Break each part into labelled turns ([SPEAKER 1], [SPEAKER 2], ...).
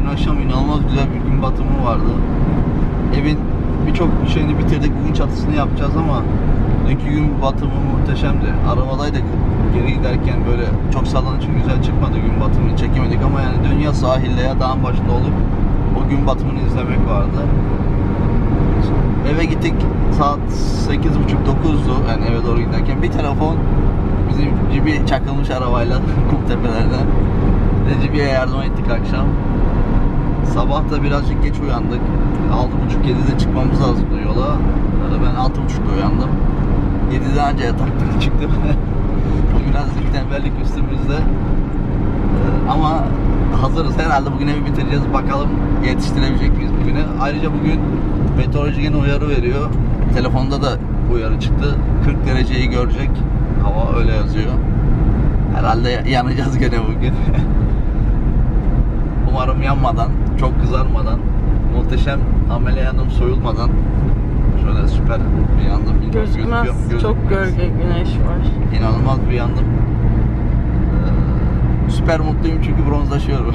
[SPEAKER 1] akşam inanılmaz güzel bir gün batımı vardı. Evin birçok şeyini bitirdik. Bugün çatısını yapacağız ama dünkü gün batımı muhteşemdi. Arabadaydık. Geri giderken böyle çok sallanıcı güzel çıkmadı, gün batımını çekemedik ama yani dünya sahilde ya dağın başında olup o gün batımını izlemek vardı. Eve gittik, saat 8.30-9'du yani eve doğru giderken bir telefon, bizim Cibi çakılmış arabayla kum tepelerden. Cibi'ye yardım ettik akşam. Sabah da birazcık geç uyandık. 6.30-7'de çıkmamız lazımdı yola. Ben 6.30'da uyandım. 7'de anca yataktan çıktım. Bugün azıcık tembellik üstümüzde. Ama hazırız. Herhalde bugün evi bitireceğiz. Bakalım yetiştirebilecek miyiz bugüne. Ayrıca bugün meteoroloji yine uyarı veriyor. Telefonda da uyarı çıktı. 40 dereceyi görecek. Hava öyle yazıyor. Herhalde yanacağız gene bugün. Umarım yanmadan, çok kızarmadan, muhteşem amele yandım soyulmadan şöyle süper bir yandım.
[SPEAKER 2] Gözükmez. Çok gölge güneş var.
[SPEAKER 1] İnanılmaz bir yandım. Süper mutluyum çünkü bronzlaşıyorum.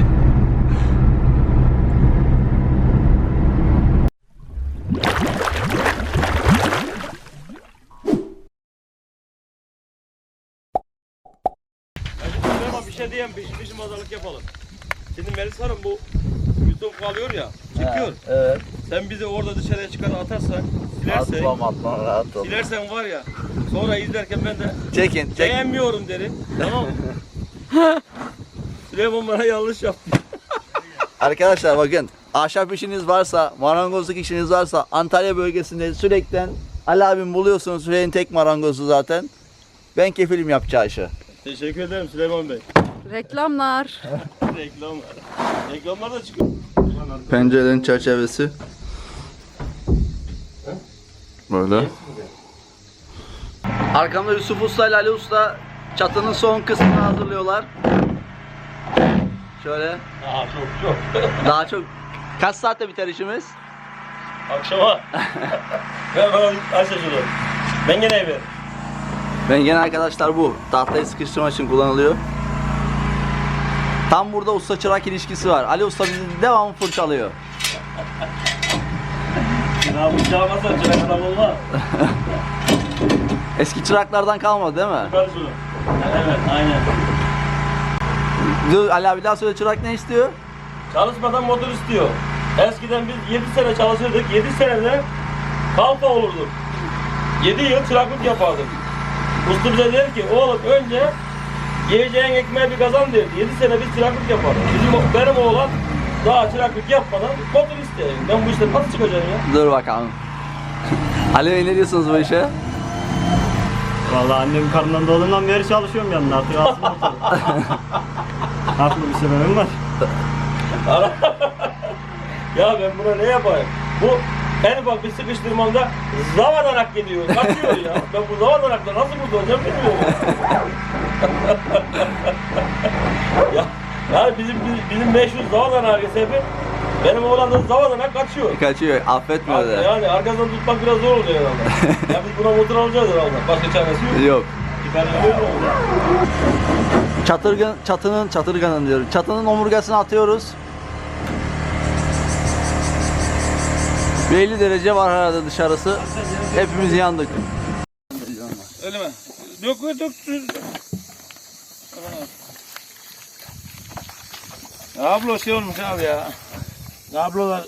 [SPEAKER 3] Bir şey diyeyim, bizim pazarlık yapalım. Şimdi Melis Hanım bu YouTube kalıyor ya, çekiyor.
[SPEAKER 1] Evet.
[SPEAKER 3] Sen bizi orada dışarıya çıkar atarsan, silersen,
[SPEAKER 1] Atmam rahat ol.
[SPEAKER 3] silersen var ya, sonra izlerken ben de
[SPEAKER 1] Çekin.
[SPEAKER 3] beğenmiyorum derim. Tamam mı? Süleyman bana yanlış yaptı.
[SPEAKER 1] Arkadaşlar bakın, ahşap işiniz varsa, marangozluk işiniz varsa Antalya bölgesinde sürekli Ali abim buluyorsunuz. Süreyin tek marangozu zaten. Ben kefilim yapacağı işi.
[SPEAKER 3] Teşekkür ederim Süleyman Bey.
[SPEAKER 2] Reklamlar.
[SPEAKER 3] Reklamlar. Reklamlar da çıkıyor.
[SPEAKER 1] Pencerenin çerçevesi. Böyle. Arkamda Yusuf Usta ile Ali Usta çatının son kısmını hazırlıyorlar. Şöyle.
[SPEAKER 3] Çok.
[SPEAKER 1] Daha çok. Kaç saatte biter işimiz?
[SPEAKER 3] Akşama. Ben bana aç şunu. Ben gene eve.
[SPEAKER 1] Ben gene arkadaşlar bu. Tahtayı sıkıştırmak için kullanılıyor. Tam burada usta çırak ilişkisi var. Ali Usta bizi devamlı fırçalıyor.
[SPEAKER 3] Ya bu çağırmazsan çırak adam olmaz.
[SPEAKER 1] Eski çıraklardan kalmadı değil mi?
[SPEAKER 3] Çıkar şunu. Evet, aynen.
[SPEAKER 1] Dur Ali abi daha söyle, çırak ne istiyor?
[SPEAKER 3] Çalışmadan motor istiyor. Eskiden biz 7 sene çalışırdık. 7 senede kalfa olurduk. 7 yıl çıraklık yapardık. Usta bize der ki oğlum önce yiyeceğin ekmeği bir kazan derdi. 7 sene biz çıraklık yapardık. Benim oğlan daha çıraklık yapmadan motor istiyor. Ben bu işten nasıl çıkacağım ya?
[SPEAKER 1] Dur bakalım. Ali Bey ne diyorsunuz bu işe?
[SPEAKER 4] Vallahi annem karnından doğduğumdan beri çalışıyorum yanına, artık alsın motoru. Haklı bir sebebim var.
[SPEAKER 3] Ya ben buna ne yapayım? Bu en ufak bir sıkıştırmamda zavadanak gidiyor, kaçıyor ya. Ben bu zavadanakla nasıl kurtulacağım bilmiyorum. ya, yani bizim meşhur zavadanak sebebi benim oğlan da zavadanak kaçıyor.
[SPEAKER 1] Kaçıyor, affetmiyor da.
[SPEAKER 3] Yani arkasından tutmak biraz zor oluyor herhalde. Ya biz buna motor alacağız herhalde. Başka çaresi yok.
[SPEAKER 1] Yok.
[SPEAKER 3] Ben öyle oldu.
[SPEAKER 1] Çatırganın diyorum. Çatının omurgasını atıyoruz. 50 derece var herhalde dışarısı. Hepimiz yandık.
[SPEAKER 3] Öyle mi? Dök. Ablo şey olmuş abi ya. Ablolar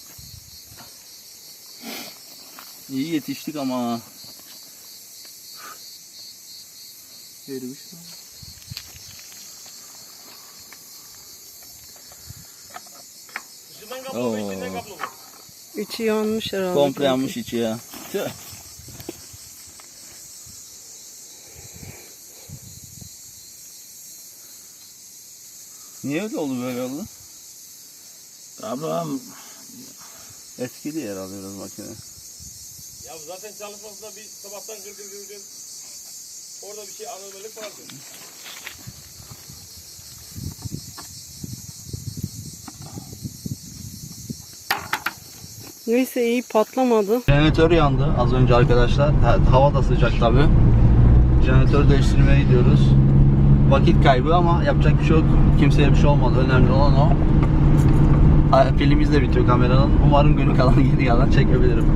[SPEAKER 1] İyi yetiştik ama. Erimiş.
[SPEAKER 3] dışından kaplı mı içinden kaplı mı?
[SPEAKER 2] İçi yanmış herhalde.
[SPEAKER 1] Komple yanmış içi ya. Tüh. Niye öyle oldu, böyle oldu?
[SPEAKER 3] Ablam
[SPEAKER 1] Eskidi herhalde biraz makine.
[SPEAKER 3] ya zaten çalışmasında bir sabahtan gırgır orada bir şey anormallik vardı.
[SPEAKER 2] Neyse iyi patlamadı.
[SPEAKER 1] Jeneratör yandı az önce arkadaşlar. Hava da sıcak tabi. Jeneratör değiştirmeye gidiyoruz. Vakit kaybı ama yapacak bir şey yok. Kimseye bir şey olmadı. Önemli olan o. Pilimiz de bitiyor kameranın. Umarım günü kalan geri kalan çekebilirim.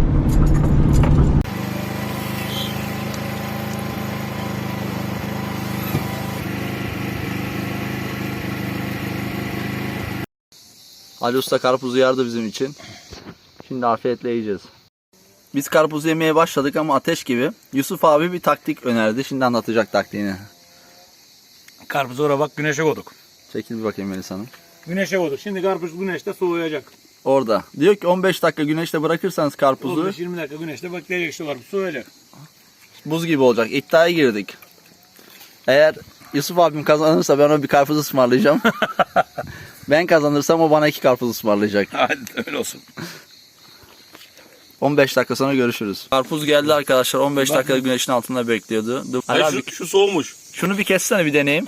[SPEAKER 1] Ali Usta karpuzu yardı bizim için. Şimdi afiyetle yiyeceğiz. Biz karpuzu yemeye başladık ama ateş gibi. Yusuf abi bir taktik önerdi. Şimdi anlatacak taktiğini.
[SPEAKER 5] Karpuzu oraya bak güneşe koyduk.
[SPEAKER 1] Çekil bir bakayım Melis Hanım.
[SPEAKER 5] Güneşe koyduk. Şimdi karpuz güneşte soğuyacak.
[SPEAKER 1] Orada. Diyor ki 15 dakika güneşte bırakırsanız karpuzu
[SPEAKER 5] 15-20 dakika güneşte bekleyecek işte karpuz soğuyacak.
[SPEAKER 1] buz gibi olacak. İddiaya girdik. Eğer Yusuf abim kazanırsa ben ona bir karpuz ısmarlayacağım. Ben kazanırsam o bana 2 karpuz ısmarlayacak.
[SPEAKER 5] Hadi öyle olsun.
[SPEAKER 1] 15 dakika sonra görüşürüz. Karpuz geldi arkadaşlar. 15 dakika güneşin altında bekliyordu. Dur. Ali abi,
[SPEAKER 5] Şu soğumuş.
[SPEAKER 1] şunu bir kessene bir deneyeyim.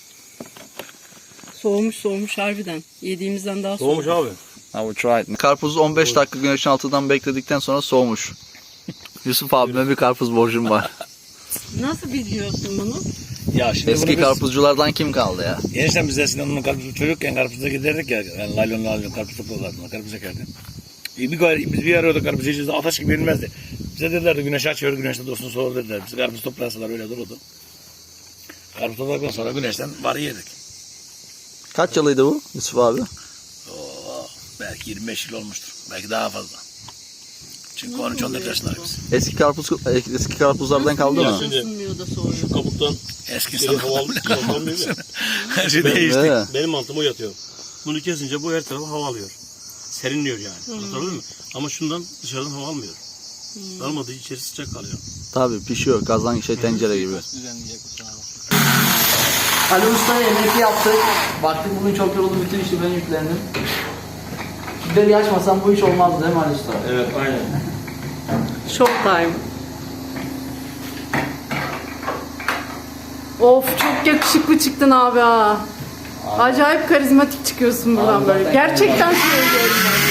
[SPEAKER 2] Soğumuş harbiden. Yediğimizden daha soğumuş.
[SPEAKER 5] Soğumuş abi.
[SPEAKER 1] I will try it. Karpuzu 15 dakika güneşin altından bekledikten sonra soğumuş. Yusuf abime bir karpuz borcum var.
[SPEAKER 2] Nasıl biliyorsun bunu?
[SPEAKER 5] Ya şimdi
[SPEAKER 1] Eski karpuzculardan kim kaldı ya?
[SPEAKER 5] Enişten biz eskiden onun karpuzu çocukken karpuzda giderdik ya. Yani laylon karpuz toplarlardı. Karpuz ekerdi. Biz bir arıyorduk karpuz yiyeceğiz. Ateş gibi yenilmezdi. Bize dedilerdi güneş açıyor, güneşte dostunu soğur dediler. Biz karpuz toplasalar öyle dururdu. Karpuz topladıktan sonra güneşten var yedik.
[SPEAKER 1] Kaç yılıydı bu Yusuf abi?
[SPEAKER 5] Belki 25 yıl olmuştur. Belki daha fazla. Çünkü 13-14 yaşındayız biz.
[SPEAKER 1] Eski karpuzlardan kaldı mı?
[SPEAKER 2] Isınmıyor da soğuyor.
[SPEAKER 6] Kabuktan
[SPEAKER 5] Eski
[SPEAKER 6] geri
[SPEAKER 5] insanlar
[SPEAKER 6] havalı kalkan değil mi?
[SPEAKER 5] her şey değişti.
[SPEAKER 1] Evet.
[SPEAKER 6] Benim mantığım o yatıyor. Bunu kesince bu her tarafı hava alıyor. Serinliyor yani. Anladın mı? Ama şundan dışarıdan hava almıyor. Almadığı içerisi sıcak kalıyor.
[SPEAKER 1] Tabii pişiyor. Kazan tencere gibi. Ali Usta'ya yemek yaptık. Baktık bugün çok yoruldu. Bütün işi ben yüklendim. Biberi açmasam bu iş olmazdı değil mi Ali Usta?
[SPEAKER 3] Evet aynen.
[SPEAKER 2] Showtime. Of çok yakışıklı çıktın abi ha. Acayip karizmatik çıkıyorsun buradan
[SPEAKER 1] Abi
[SPEAKER 2] böyle.
[SPEAKER 1] zaten
[SPEAKER 2] Gerçekten söylüyorum ben.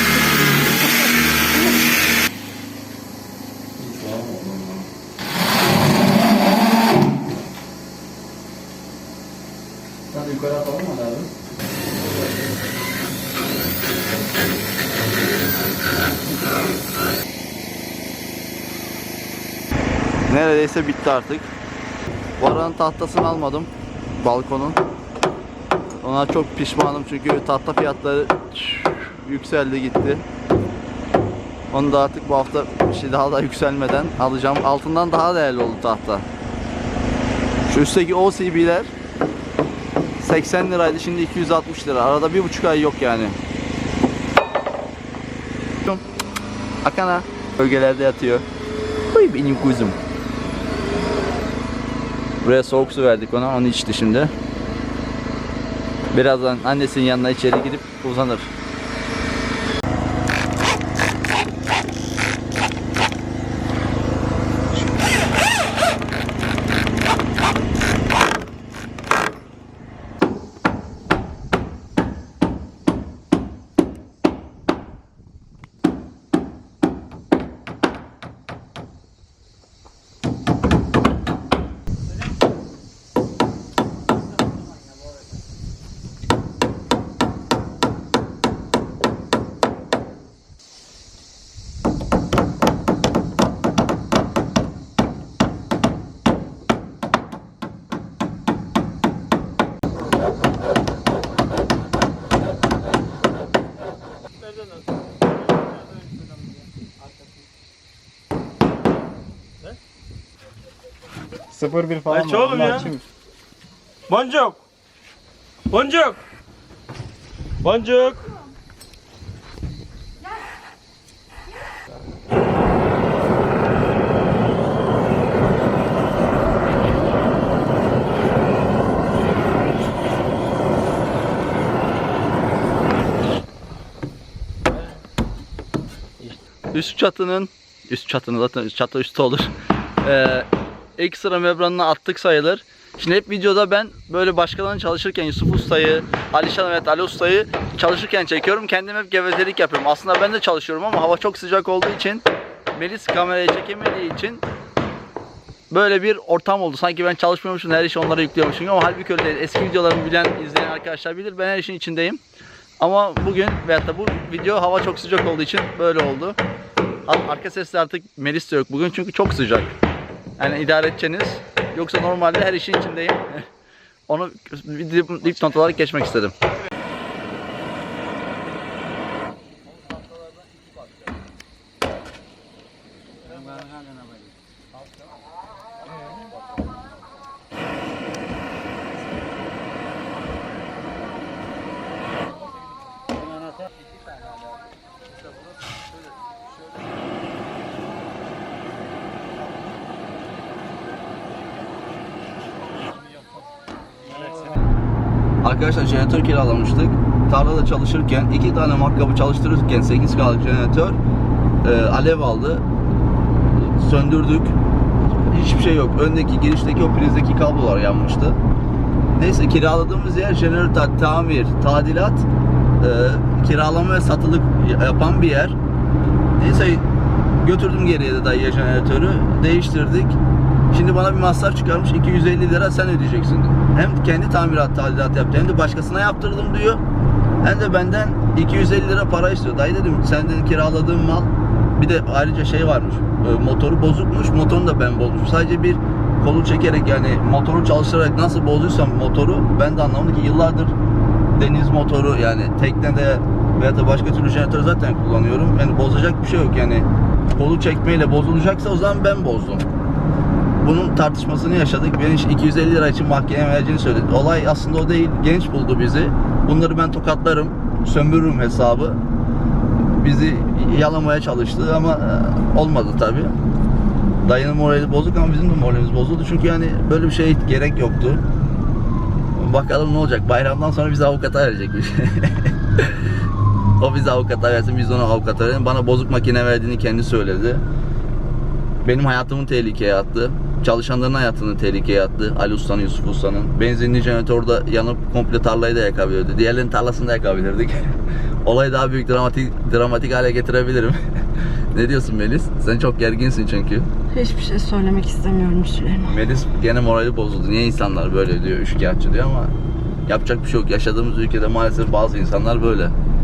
[SPEAKER 1] Hadi yukarı atalım mı abi? Neredeyse bitti artık. Varanın tahtasını almadım. Balkonun. Ona çok pişmanım çünkü tahta fiyatları yükseldi gitti. Onu da artık bu hafta daha da yükselmeden alacağım. Altından daha değerli oldu tahta. Şu üstteki OCB'ler 80 liraydı, şimdi 260 lira. Arada 1,5 ay yok yani. Akana bölgelerde yatıyor. Uy benim kuzum. Buraya soğuk su verdik ona, onu içti şimdi. Birazdan annesinin yanına içeri gidip uzanır.
[SPEAKER 4] Sıfır bir falan
[SPEAKER 3] Aç oğlum ya. Boncuk. Boncuk. Boncuk.
[SPEAKER 1] Üst çatının zaten çatı üstü olur. İlk sıra membranına attık sayılır. Şimdi hep videoda ben böyle başkalarının çalışırken Yusuf Usta'yı, Alişan ve Ali Usta'yı çalışırken çekiyorum. Kendim hep gevezelik yapıyorum. Aslında ben de çalışıyorum ama hava çok sıcak olduğu için, Melis kamerayı çekemediği için böyle bir ortam oldu. Sanki ben çalışmıyormuşum, her işi onlara yüklüyormuşum ama halbuki öyle değil. Eski videolarımı bilen, izleyen arkadaşlar bilir. Ben her işin içindeyim. Ama bugün veyahut da bu video hava çok sıcak olduğu için böyle oldu. Arka sesle artık Melis de yok bugün çünkü çok sıcak. Yani idare edeceğiniz. Yoksa normalde her işin içindeyim. Onu bir dipnot olarak geçmek istedim. Arkadaşlar jeneratör kiralamıştık. Tarlada çalışırken 2 tane matkabı çalıştırırken 8K'lık jeneratör alev aldı. Söndürdük. Hiçbir şey yok. Öndeki girişteki o prizdeki kablolar yanmıştı. Neyse kiraladığımız yer jeneratör, tamir, tadilat, kiralama ve satılık yapan bir yer. Neyse götürdüm geriye de dayıya jeneratörü. Değiştirdik. Şimdi bana bir masraf çıkarmış 250 lira sen ödeyeceksin. Hem kendi tamirat tadilat yaptı hem de başkasına yaptırdım diyor. Hem de benden 250 lira para istiyor. Dayı dedim senden kiraladığım mal bir de ayrıca şey varmış. Motoru bozukmuş. Motorunu da ben bozmuşum. Sadece bir kolu çekerek yani motoru çalıştırarak nasıl bozduysam motoru ben de anlamadım ki yıllardır deniz motoru yani teknede veya da başka türlü jeneratör zaten kullanıyorum. Yani bozacak bir şey yok yani. Kolu çekmeyle bozulacaksa o zaman ben bozdum. Bunun tartışmasını yaşadık. Beni 250 lira için mahkemeye vereceğini söyledi. Olay aslında o değil. Genç buldu bizi. Bunları ben tokatlarım, sömürürüm hesabı. Bizi yalamaya çalıştı ama olmadı tabi. Dayının morali bozuk ama bizim de moralimiz bozuldu. Çünkü yani böyle bir şeye gerek yoktu. Bakalım ne olacak. Bayramdan sonra bizi avukata verecekmiş. O bizi avukata versin, biz ona avukata verelim. Bana bozuk makine verdiğini kendi söyledi. Benim hayatımı tehlikeye attı. Çalışanların hayatını tehlikeye attı. Ali Usta'nın, Yusuf Usta'nın. Benzinli jeneratörde yanıp komple tarlayı da yakabilirdi. Diğerlerinin tarlasını da yakabilirdik. Olayı daha büyük dramatik hale getirebilirim. Ne diyorsun Melis? Sen çok gerginsin çünkü.
[SPEAKER 2] Hiçbir şey söylemek istemiyorum Süleyman.
[SPEAKER 1] Melis gene morali bozuldu. Niye insanlar böyle diyor, üçkağıtçı diyor ama yapacak bir şey yok. Yaşadığımız ülkede maalesef bazı insanlar böyle.